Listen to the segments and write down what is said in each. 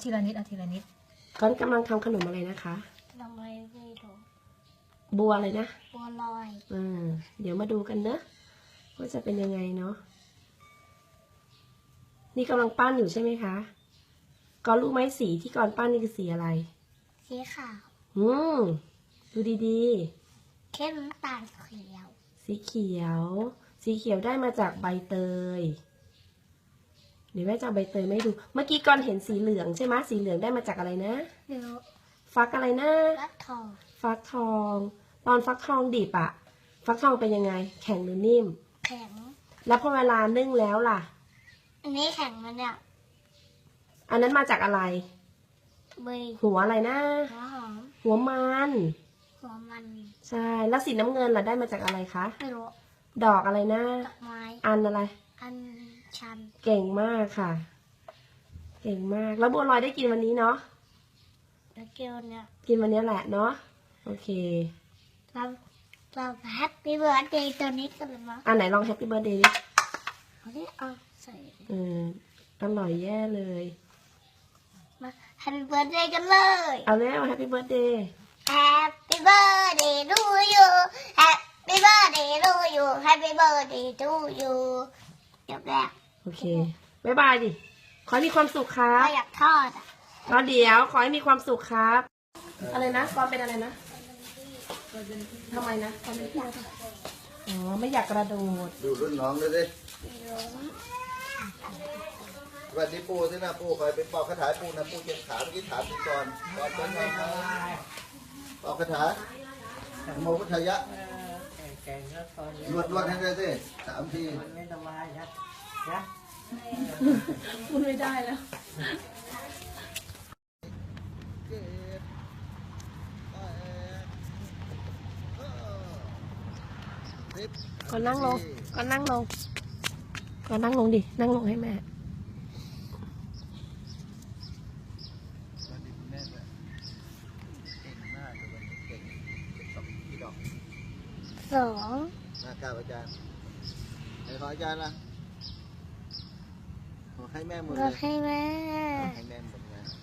ทีละนิดเอาทีละนิดก้อนกำลังทำขนมอะไรนะคะทำไมไม่ถูกบัวอะไรนะบัวลอยเดี๋ยวมาดูกันเนอะว่าจะเป็นยังไงเนาะนี่กำลังปั้นอยู่ใช่ไหมคะก้อนรู้ไหมสีที่ก้อนปั้นนี่คือสีอะไรสีขาวดูดีๆเข้มน้ำตาลเขียวสีเขียวสีเขียวได้มาจากใบเตยเดี๋ยวแม่จะเอาใบเตยไม่ดูเมื่อกี้ก้อนเห็นสีเหลืองใช่ไหมสีเหลืองได้มาจากอะไรนะฟักอะไรนะฟักทองตอนฟักทองดิบอะฟักทองเป็นยังไงแข็งหรือนิ่มแข็งแล้วพอเวลานึ่งแล้วล่ะอันนี้แข็งมันเนี่ยอันนั้นมาจากอะไรใบหัวอะไรนะหัวมันใช่แล้วสีน้ำเงินล่ะได้มาจากอะไรคะไม่รู้ดอกอะไรนะดอกไม้อันอะไรอันชันเก่งมากค่ะเก่งมากแล้วบัวลอยได้กินวันนี้เนาะแล้วกินวันเนี้ยกินวันนี้แหละเนาะโอเคเราแฮปปี้เบิร์ดเดย์ตัวนี้กันเลยมั้ยอันไหนลองแฮปปี้เบิร์ดเดย์ดิเอาดิเอาใส่อร่อยแย่เลยมาแฮปปี้เบิร์ดเดย์กันเลยเอาแล้วแฮปปี้เบิร์ดเดย์ Happy birthday to you Happy birthday to you Happy birthday to you จบแล้วโอเคบ๊ายบายดิขอให้มีความสุขครับอยากทอดก็เดี๋ยวขอให้มีความสุขครับอะไรนะกอนเป็นอะไรนะทำไมนะกอนไม่อยากไม่อยากกระโดดดูรุ่นน้องเลยดิสวัสดีปู่สินะปู่คอยเป็นปอกคาถาปู่นะปู่เจ็บขาเมื่อกี้ถามก่อนเป็นไงครับปอกคาถาโมพุทธยะรวดให้เลยสิ3 ทีไม่สบายนะพูดไม่ได้แล้วก่อนนั่งลงก่อนนั่งลงก่อนนั่งลงดินั่งลงให้แม่ 2 กราบอาจารย์ให้ขออาจารย์ล่ะขอให้แม่หมดเลยให้แม่หมดเลย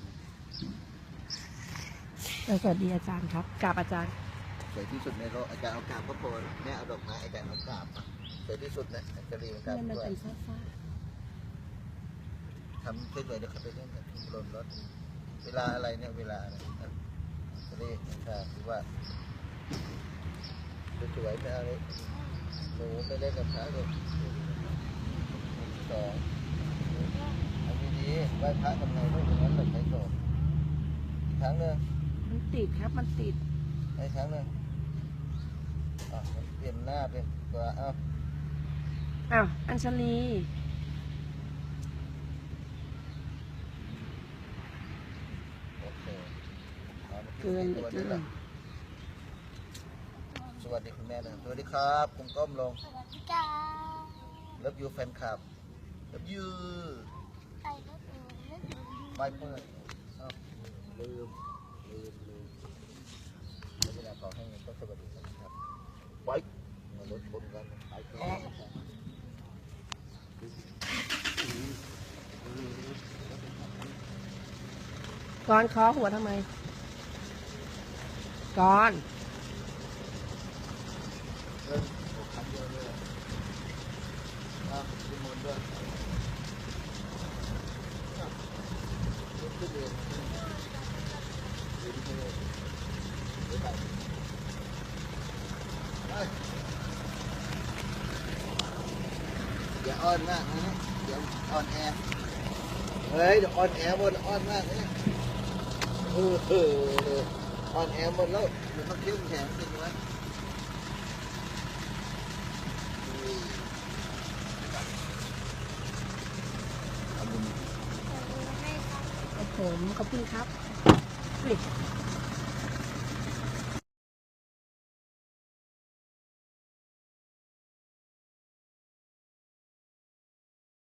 สวัสดีอาจารย์ครับกราบอาจารย์สวยที่สุดในโลกอาจารย์เอากราบก็พอแม่เอาดอกไม้อาจารย์เอากราบสวยที่สุดนะอาจารย์เรียนกราบด้วยทำเฉยๆเดี๋ยวเขาไปเล่นกันลนรถเวลาอะไรเนี่ยเวลาอะไรจะได้คือว่าสวยๆไม่เอาเลยหนูไม่เล่นกับพระเลย2อันนี้ดีไหว้พระทำไงต้องอย่างนั้นแบบใช้โซ่อีกครั้งหนึ่งมันติดครับมันติดอีกครั้งหนึ่งมันเปลี่ยนหน้าเป็นตัวอัญชลีโอเคเกินสวัสดีคุณแม่เลยสวัสดีครับคุณก้มลงสวัสดีค่ะเลิฟยูแฟนคลับเลิฟยูไม่เปิดลืมแล้วเวลาขอให้ต้องสวัสดีครับไว้มารถชนกันไปก่อนเคาะหัวทำไมก่อนอย่าอ้อนมากนะเดี๋ยวอ่อนแอเฮ้ยเดี๋ยวอ่อนแอหมดอ่อนมากนะอ่อนแอหมดแล้วมันต้องเข้มแข็งสิวะผมขอบคุณครับ